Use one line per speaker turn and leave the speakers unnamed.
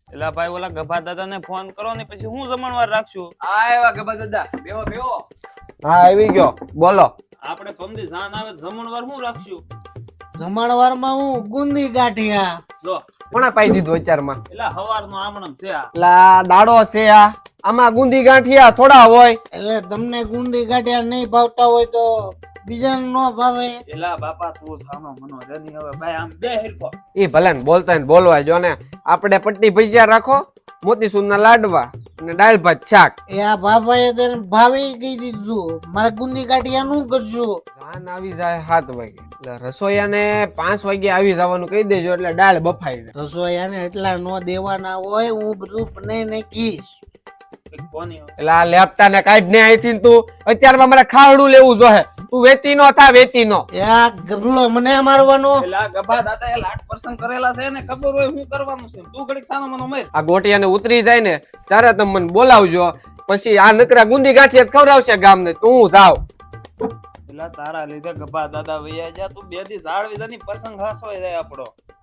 એલા ભાઈ ઓલા ગભા દાદાને ફોન કરો ને પછી હું જમણવાર રાખશું.
આવ્યા ગબા દાદા, બેહો બેહો.
હા આવી ગયો, બોલો.
આપણે પમદી જાન આવે જમણવાર હું રાખશું.
જમણવારમાં હું ગુંદી ગાંઠિયા.
જો
કોણે પાઈ દીધું અત્યારમાં?
એલા હવારનો આમણમ છે આ.
લા દાડો છે આ, આમાં ગુંદી ગાંઠિયા થોડા હોય.
એટલે તમને ગુંદી ગાંઠિયા નહીં ભાવતા હોય તો બીજાને ન ભાવે.
એલા બાપા તું સાનો મનો જની હવે ભાઈ આમ બે હિરકો.
એ ભલે ને બોલતા ને બોલવા જો ને. આપણે પટ્ટી ભજીયા રાખો, મોતીસૂરના લાડવા અને દાળ ભાત શાક.
એ આ બાપાએ તને ભાવે કહી દીધું, મારે ગુંદી ગાંઠિયા નું કરશું.
જાન આવી જાય 7 વાગે, એટલે રસોઈયાને 5 વાગે આવી જવાનું કહી દેજો, એટલે દાળ બફાઈ જાય.
રસોઈયાને એટલા નો દેવાના હોય, હું બધું બનાવી નાખીશ.
કોની
એટલે આ લેપટા ને કાઢ ને અહીંથી ને તું અત્યારમાં મારે ખાવડું લેવું જોઈએ. તું વેતી નો થા, વેતી નો.
એ આ ગબલો મને મારવાનો.
એલા ગભા દાદા એ લાટ પર્સન કરેલા છે ને ખબર હોય શું કરવાનું છે. તું ઘડીક સાનો મનો મર.
આ ગોટિયાને ઉતરી જાય ને ત્યારે તમે મને બોલાવજો, પછી આ નકરા ગુંદી ગાંઠિયા ખવડાવશે ગામને. તું જાવ.
એલા તારા લીધે ગભા દાદા વૈયા જા. તું બે દી ઝાડ વિધાની પ્રસંગ હાસો જાય આપણો.